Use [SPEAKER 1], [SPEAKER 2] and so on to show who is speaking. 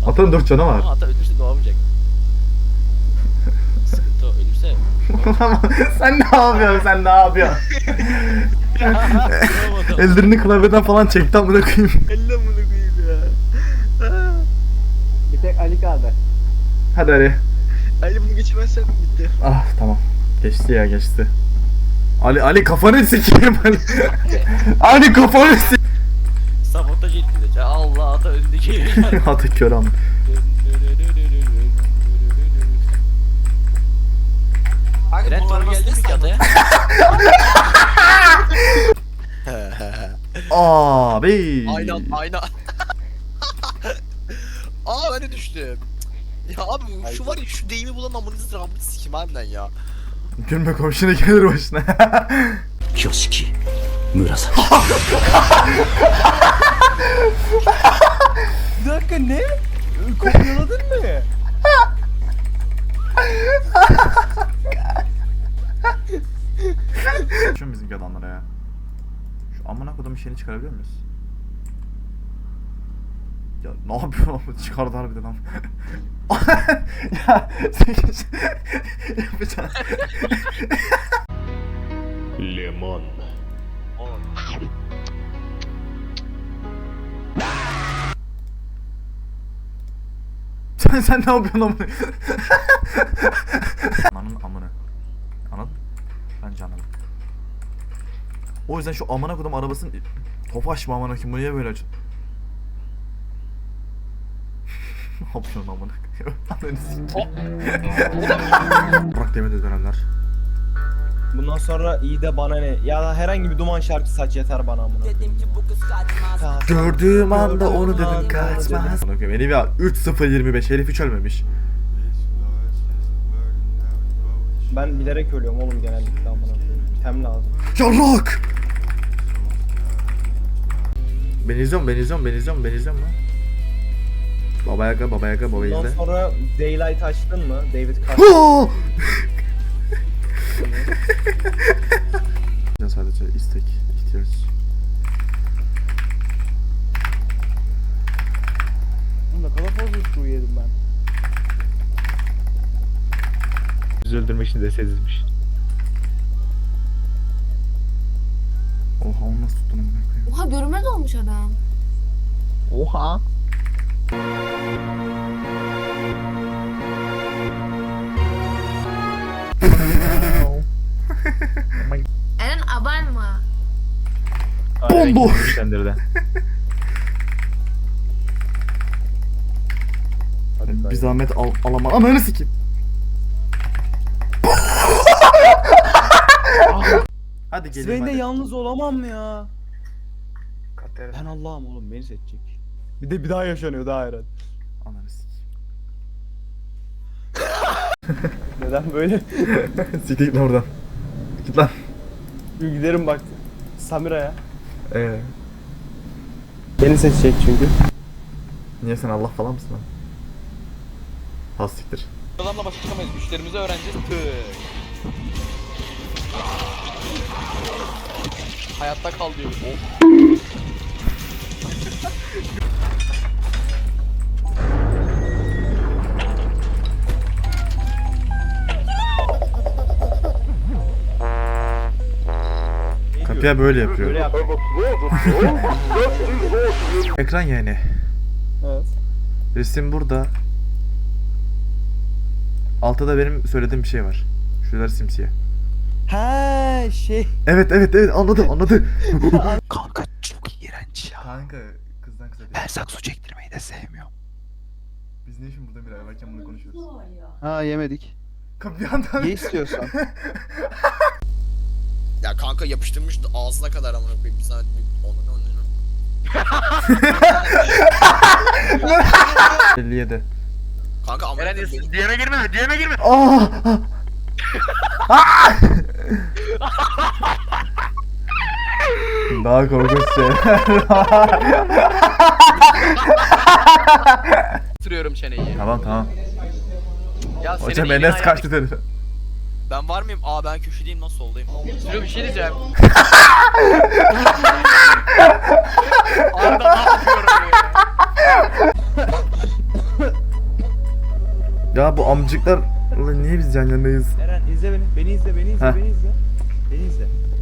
[SPEAKER 1] Atanın 4 canı var.
[SPEAKER 2] Ama ata ölürse doğamayacak. Sıkıntı o, ölürse.
[SPEAKER 1] Sen ne yapıyorsun? Sen ne yapıyorsun? Ellerini klavyeden falan çekti amına koyayım.
[SPEAKER 2] Elle bunu koyayım ya.
[SPEAKER 3] Bir tek Ali kaldı.
[SPEAKER 1] Hadi Ali.
[SPEAKER 2] Ali bunu geçirmezsen bitti.
[SPEAKER 1] Ah tamam. Geçti ya geçti. Ali kafanı sikeyim Ali. Ali kafanı sikeyim.
[SPEAKER 2] Sabotaj etti de. Allah ata önündeki.
[SPEAKER 1] Atı kör am.
[SPEAKER 2] Eren doğru geldi mi ki ataya?
[SPEAKER 1] Abi.
[SPEAKER 2] Aynen. Aa ben de düştüm. Ya abi şu var ya şu deyimi bulan amınızı rahmetli sikim harbiden ya.
[SPEAKER 1] Gülme komşuna gelir başına.
[SPEAKER 4] Kyoshiki Murasaki.
[SPEAKER 3] Bir dakika ne? Kopyaladın mı?
[SPEAKER 1] Şu bizimki adamlara ya. Şu amına kodumun şeyini çıkarabiliyor muyuz? Ya ne yapıyorsun? Çıkardı harbiden am. Ya yapacağım.
[SPEAKER 4] Lemon.
[SPEAKER 1] Sen ne yapıyorsun amına? Ananın amına. Anladın? Bence anladım. O yüzden şu amına kodum arabasının Tofaş mı amına kim bu niye böyle açın? Ne yapıyorsun amına? Ananı sikeyim. Bırak demedi dönemler.
[SPEAKER 3] Bundan sonra iyi de bana ne? Ya da herhangi bir duman şarkısı aç yeter bana amına.
[SPEAKER 5] Dedim ki bu kız kaçmaz.
[SPEAKER 1] Gördüğüm anda onu dedim kaçmaz. Benim ya 3-0-25 herif hiç ölmemiş.
[SPEAKER 3] Ben bilerek ölüyorum oğlum genellikle amına koyayım. Tem lazım.
[SPEAKER 1] Yarrak! Ben izliyorum lan. Baba Yaga baba
[SPEAKER 3] Bundan
[SPEAKER 1] izle.
[SPEAKER 3] sonra Daylight açtın mı? David Carter.
[SPEAKER 1] Sadece istek, ihtiyaç.
[SPEAKER 3] Ne kadar fazla su yedim ben.
[SPEAKER 6] Bizi öldürmek için dese dizmiş.
[SPEAKER 1] Oha onu nasıl tuttun amına koyayım?
[SPEAKER 7] Oha görünmez olmuş adam.
[SPEAKER 6] Oha.
[SPEAKER 7] Eren abartma.
[SPEAKER 1] Bombo!
[SPEAKER 6] Güçlendirdi.
[SPEAKER 1] Bir zahmet alamam. Ananı sikeyim. Hadi gelin
[SPEAKER 3] Sven de
[SPEAKER 1] hadi.
[SPEAKER 3] yalnız olamam ya. Ben Allah'ım oğlum beni seçecek. Bir daha yaşanıyor daha Eren.
[SPEAKER 1] Ananı sikeyim.
[SPEAKER 3] Neden böyle?
[SPEAKER 1] Siktir git lan oradan. Git lan.
[SPEAKER 3] Bir giderim bak Samira'ya.
[SPEAKER 1] Ee,
[SPEAKER 3] Beni seçecek çünkü.
[SPEAKER 1] niye sen Allah falan mısın lan? Has siktir.
[SPEAKER 2] Adamla başa çıkamayız. Güçlerimizi öğreneceğiz. Tık. Hayatta kal diyor. Oh.
[SPEAKER 1] Kapıya böyle yapıyor.
[SPEAKER 3] Böyle yap.
[SPEAKER 1] Ekran yani.
[SPEAKER 3] Evet.
[SPEAKER 1] Resim burada. Altta da benim söylediğim bir şey var. Şuralar simsiyah.
[SPEAKER 3] Ha şey.
[SPEAKER 1] Evet anladı.
[SPEAKER 4] Kanka çok iğrenç ya.
[SPEAKER 1] Kanka kızdan kısa
[SPEAKER 4] Ben sakso çektirmeyi de sevmiyorum.
[SPEAKER 1] Biz ne işin burada bir ay varken bunu konuşuyoruz.
[SPEAKER 3] Ha yemedik.
[SPEAKER 1] Bir yandan...
[SPEAKER 3] Ye istiyorsan.
[SPEAKER 2] Ya kanka yapıştırmış ağzına kadar amına koyayım. Bir saat onu.
[SPEAKER 1] 57.
[SPEAKER 2] Kanka amına
[SPEAKER 6] Eren
[SPEAKER 2] koyayım.
[SPEAKER 6] diyeme girme.
[SPEAKER 1] Daha korkunç şey.
[SPEAKER 2] Bitiriyorum çeneyi.
[SPEAKER 1] Tamam.
[SPEAKER 2] Ya senin
[SPEAKER 1] Hocam
[SPEAKER 2] elin
[SPEAKER 1] Enes
[SPEAKER 2] ayağın-
[SPEAKER 1] kaçtı dedi.
[SPEAKER 2] Ben var mıyım? Aa ben köşedeyim nasıl soldayım? Sürü bir şey diyeceğim. Arda ne yapıyorum ya?
[SPEAKER 1] Ya bu amcıklar... Ulan niye biz yan yanayız?
[SPEAKER 3] Eren izle beni. Beni izle, beni izle,
[SPEAKER 1] Heh.
[SPEAKER 3] beni izle. Beni izle.